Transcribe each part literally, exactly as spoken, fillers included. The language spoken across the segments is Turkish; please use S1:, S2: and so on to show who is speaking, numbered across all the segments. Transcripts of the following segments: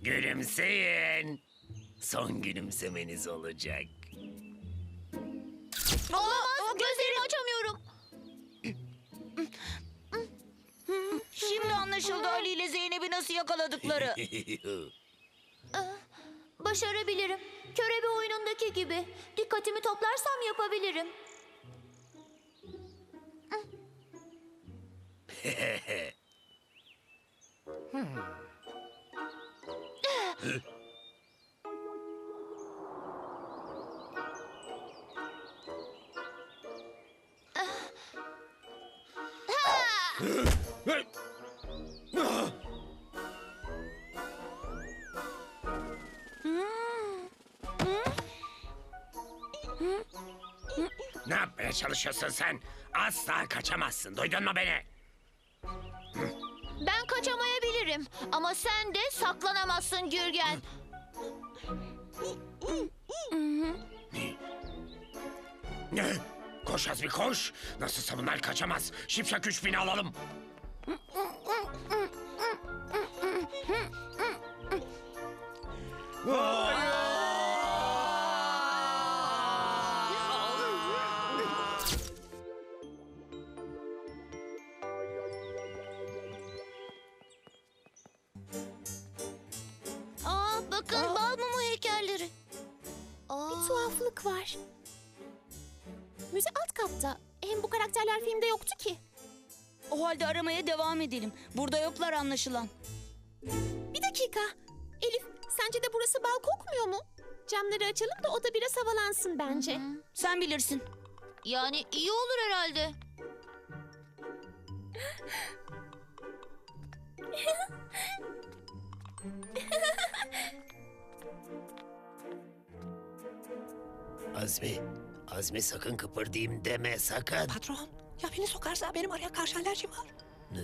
S1: Gülümseyin. Son gülümsemeniz olacak.
S2: Olamaz, gözlerimi açamıyorum.
S3: Şimdi anlaşıldı Ali ile Zeynep'i nasıl yakaladıkları.
S2: Başarabilirim. Körebe oyunundaki gibi. Dikkatimi toplarsam yapabilirim.
S1: Ne yapmaya çalışıyorsun sen? Asla kaçamazsın. Duydun mu beni?
S2: Ben kaçamayabilirim. Ama sen de saklanamazsın Gürgen.
S1: Ne? Koş Azmi koş. Nasılsa bunlar kaçamaz. Şipşak üç bini alalım.
S2: Aa, bakın bal mumu heykelleri. Aa.
S4: Bir tuhaflık var. Müze alt katta. Hem bu karakterler filmde yoktu ki.
S3: O halde aramaya devam edelim. Burada yoklar anlaşılan.
S4: Bir dakika. Elif, sence de burası bal kokmuyor mu? Camları açalım da o da biraz havalansın bence.
S3: Sen bilirsin.
S2: Yani iyi olur herhalde.
S1: Azmi, Azmi sakın kıpırdayım deme sakın.
S5: Patron, ya beni sokarsa benim araya karşı alerjim var.
S1: Ne?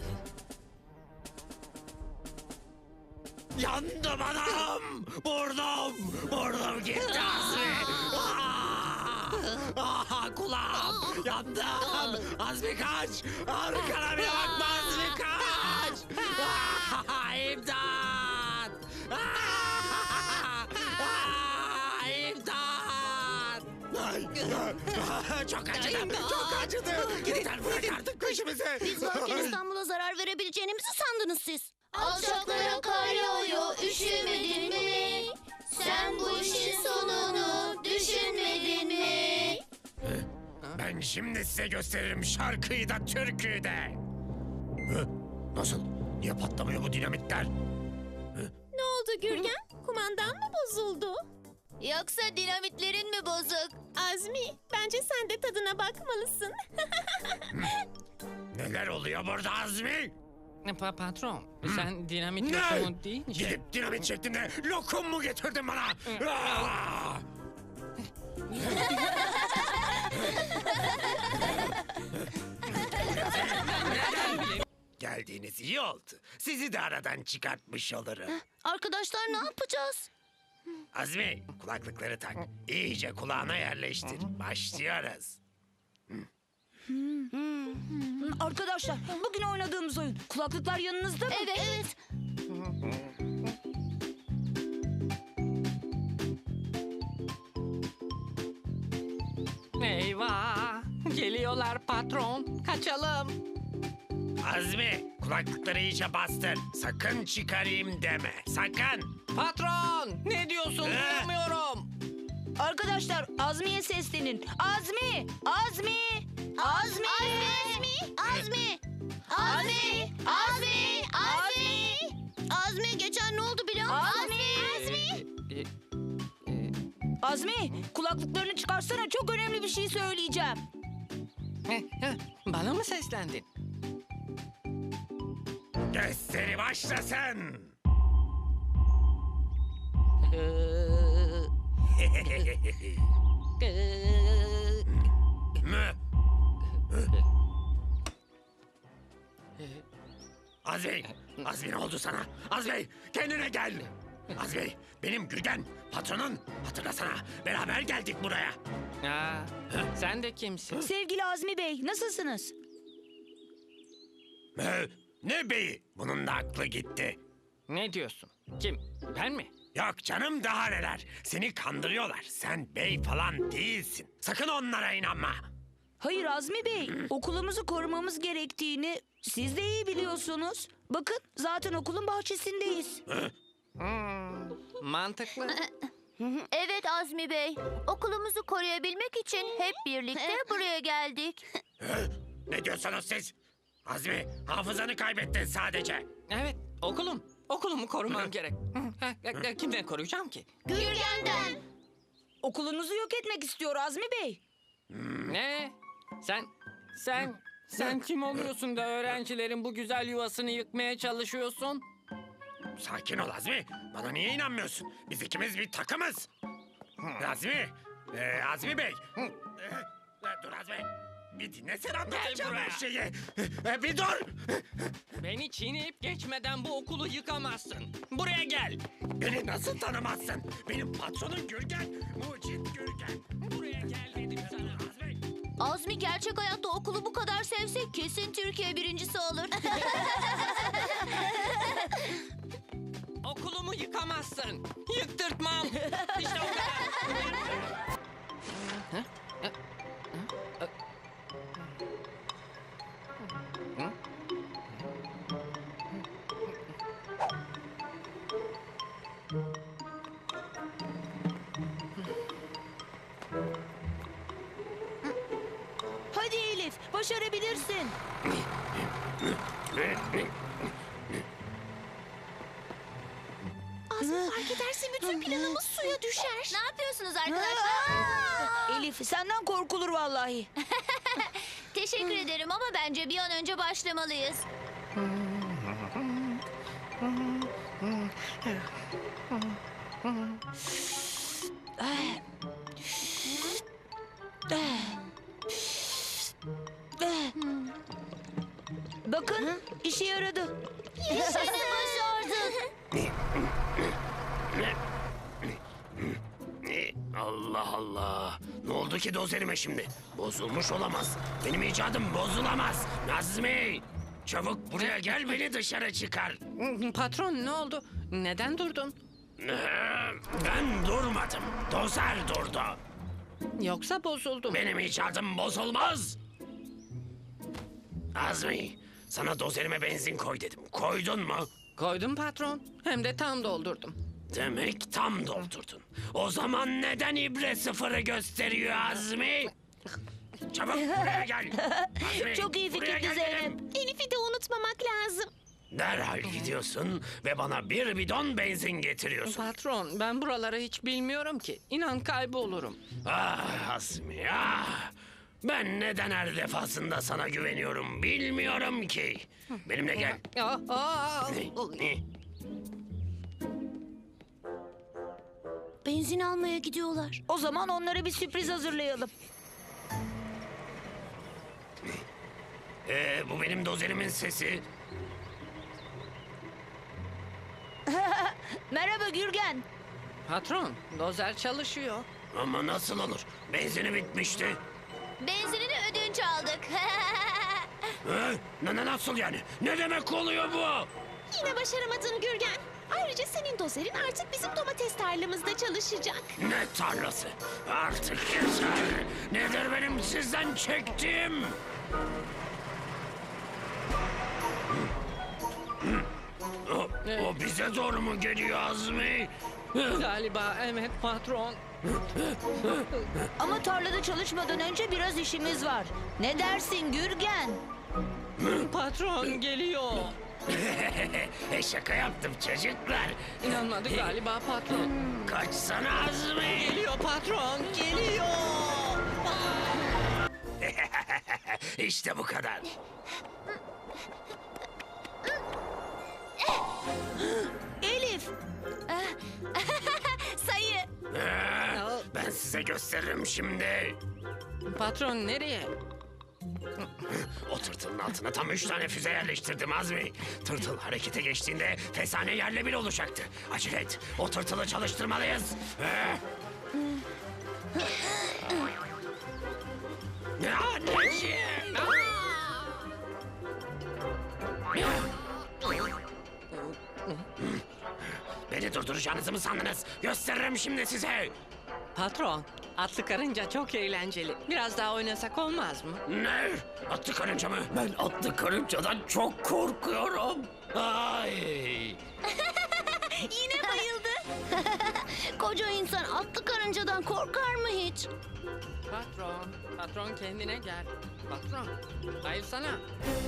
S1: Yandım anam! Vurdum! Vurdum gitti Azmi! Ah! Ah, kulağım! Yandım! Azmi kaç! Arkana bile bakma Azmi kaç! Ah, İmdat! Ah! Ah, İmdat! Ay, ah, çok acıdı! Çok acıdı! Yeter bırak artık peşimizi!
S2: Biz varken İstanbul'a zarar verebileceğinizi sandınız siz. Alçaklara kar yağıyor, üşümedin mi? Sen bu işin sonunu düşünmedin mi?
S1: Ben şimdi size gösteririm şarkıyı da türküyü de. Hı? Nasıl? Niye patlamıyor bu dinamitler?
S4: Ne oldu Gürgen? Kumandan mı bozuldu?
S2: Yoksa dinamitlerin mi bozuk?
S4: Azmi, bence sen de tadına bakmalısın.
S1: Neler oluyor burada Azmi?
S5: Pa patron, sen dinamit
S1: Ne?
S5: lokumu değil mi?
S1: Gidip dinamit şeklinde lokum mu getirdin bana? Ah! Geldiğiniz iyi oldu. Sizi de aradan çıkartmış olurum.
S2: Arkadaşlar ne yapacağız?
S1: Azmi, kulaklıkları tak. İyice kulağına yerleştir. Başlıyoruz.
S3: Arkadaşlar bugün oynadığımız oyun. Kulaklıklar yanınızda mı?
S2: Evet, evet.
S5: Eyvah! Geliyorlar patron. Kaçalım.
S1: Azmi, kulaklıkları iyice bastır. Sakın çıkarayım deme. Sakın.
S5: Patron! Ne diyorsun?
S1: Ee?
S5: Duyamıyorum.
S3: Arkadaşlar Azmi'ye seslenin. Azmi! Azmi! Azmi!
S2: Azmi! Azmi! Azmi! Azmi! Azmi! Azmi geçen ne oldu biliyor musun?
S3: Azmi!
S5: Ee, e,
S3: Azmi! Kulaklıklarını çıkarsana, çok önemli bir şey söyleyeceğim.
S5: heh, heh, Bana mı seslendin?
S1: Gösteri başlasın.
S5: Ee, ee,
S1: Mü? Azmi, Azmi ne oldu sana? Azmi, kendine gel. Azmi, benim Gürgen, patronun. Hatırlasana, beraber geldik buraya.
S5: aa, sen de kimsin?
S3: Sevgili Azmi Bey, nasılsınız?
S1: Mü? Ne beyi? Bunun da aklı gitti.
S5: Ne diyorsun? Kim? Ben mi?
S1: Yok canım, daha neler. Seni kandırıyorlar. Sen bey falan değilsin. Sakın onlara inanma.
S3: Hayır Azmi Bey, okulumuzu korumamız gerektiğini siz de iyi biliyorsunuz. Bakın zaten okulun bahçesindeyiz.
S5: Hmm, mantıklı.
S2: Evet Azmi Bey. Okulumuzu koruyabilmek için hep birlikte buraya geldik.
S1: Hı? Ne diyorsunuz siz? Azmi, hafızanı kaybettin sadece.
S5: Evet, okulum. Okulumu korumam gerek. Hı, ha, ha, Kimden koruyacağım ki?
S2: Gürgen'den.
S3: Okulunuzu yok etmek istiyor Azmi Bey.
S5: Ne? Sen, sen, sen kim oluyorsun da öğrencilerin bu güzel yuvasını yıkmaya çalışıyorsun?
S1: Sakin ol Azmi. Bana niye inanmıyorsun? Biz ikimiz bir takımız. Azmi, ee, Azmi Bey. Ee, dur Azmi. Bir dinlesene, anlatacağım
S5: buraya.
S1: her şeyi. Ee, bir dur.
S5: Beni çiğneyip geçmeden bu okulu yıkamazsın. Buraya gel.
S1: Beni nasıl tanımazsın? Benim patronum Gürgen. Mucit Gürgen.
S5: Buraya gel dedim sana.
S1: Azmi.
S2: Azmi gerçek hayatta okulu bu kadar sevse kesin Türkiye birincisi olur.
S5: Okulumu yıkamazsın. Yıktırtmam. İşte o kadar.
S3: Hadi Elif, başarabilirsin.
S4: Azmi fark ederse bütün planımız suya düşer.
S2: Ne yapıyorsunuz arkadaşlar?
S3: Elif, senden korkulur vallahi.
S2: Teşekkür ederim ama bence bir an önce başlamalıyız.
S3: Bakın, işe yaradı.
S2: Seni başardık.
S1: Allah Allah. Ne oldu ki dozerime şimdi? Bozulmuş olamaz. Benim icadım bozulamaz. Nazmi! Çabuk buraya gel, beni dışarı çıkar.
S5: Patron ne oldu? Neden durdun?
S1: Ee, Ben durmadım. Dozer durdu.
S5: Yoksa bozuldum.
S1: Benim icadım bozulmaz. Azmi, sana dozerime benzin koy dedim. Koydun mu?
S5: Koydum patron. Hem de tam doldurdum.
S1: Demek tam doldurdun. O zaman neden ibre sıfırı gösteriyor Azmi? Çabuk buraya gel. Azmi,
S3: Çok iyi
S1: buraya
S3: fikirdi
S1: gel
S3: Zeynep.
S1: dedim.
S4: Elif'i de unutmamak lazım.
S1: Derhal gidiyorsun ve bana bir bidon benzin getiriyorsun.
S5: Patron ben buraları hiç bilmiyorum ki. İnan kaybolurum.
S1: Ah Azmi ah. Ben neden her defasında sana güveniyorum bilmiyorum ki. Benimle gel.
S5: Aa, aa,
S1: Ne? Ne?
S2: Benzin almaya gidiyorlar.
S3: O zaman onlara bir sürpriz hazırlayalım.
S1: Ee, bu benim dozerimin sesi.
S3: Merhaba Gürgen.
S5: Patron dozer çalışıyor.
S1: Ama nasıl olur? Benzini bitmişti.
S2: Benzinini ödünç aldık.
S1: Ee, ne, ne- nasıl yani? Ne demek oluyor bu?
S4: Yine başaramadın Gürgen. Ayrıca senin dozerin artık bizim domates tarlamızda çalışacak.
S1: Ne tarlası? Artık yeter. Nedir benim sizden çektiğim? O, o bize doğru mu geliyor Azmi?
S5: Galiba evet patron.
S3: Ama tarlada çalışmadan önce biraz işimiz var. Ne dersin Gürgen?
S5: Patron geliyor.
S1: Şaka yaptım çocuklar.
S5: İnanmadı galiba patron.
S1: Kaçsana Azmi.
S5: Geliyor patron geliyor.
S1: İşte bu kadar.
S3: Elif,
S2: Sayı.
S1: Ee, ben size gösteririm şimdi.
S5: Patron nereye?
S1: O tırtılın altına tam üç tane füze yerleştirdim Azmi. Tırtıl harekete geçtiğinde fesane yerle bir olacaktı. Acele et. O tırtılı çalıştırmalıyız. Ee? Ya anneciğim. durduracağınızı mı sandınız? Gösteririm şimdi size.
S5: Patron, atlı karınca çok eğlenceli. Biraz daha oynasak olmaz mı?
S1: Ne? Atlı karınca mı? Ben atlı karıncadan çok korkuyorum. Ay.
S2: Yine bayıldı. Koca insan atlı karıncadan korkar mı hiç?
S5: Patron, patron kendine gel. Patron, hayır sana.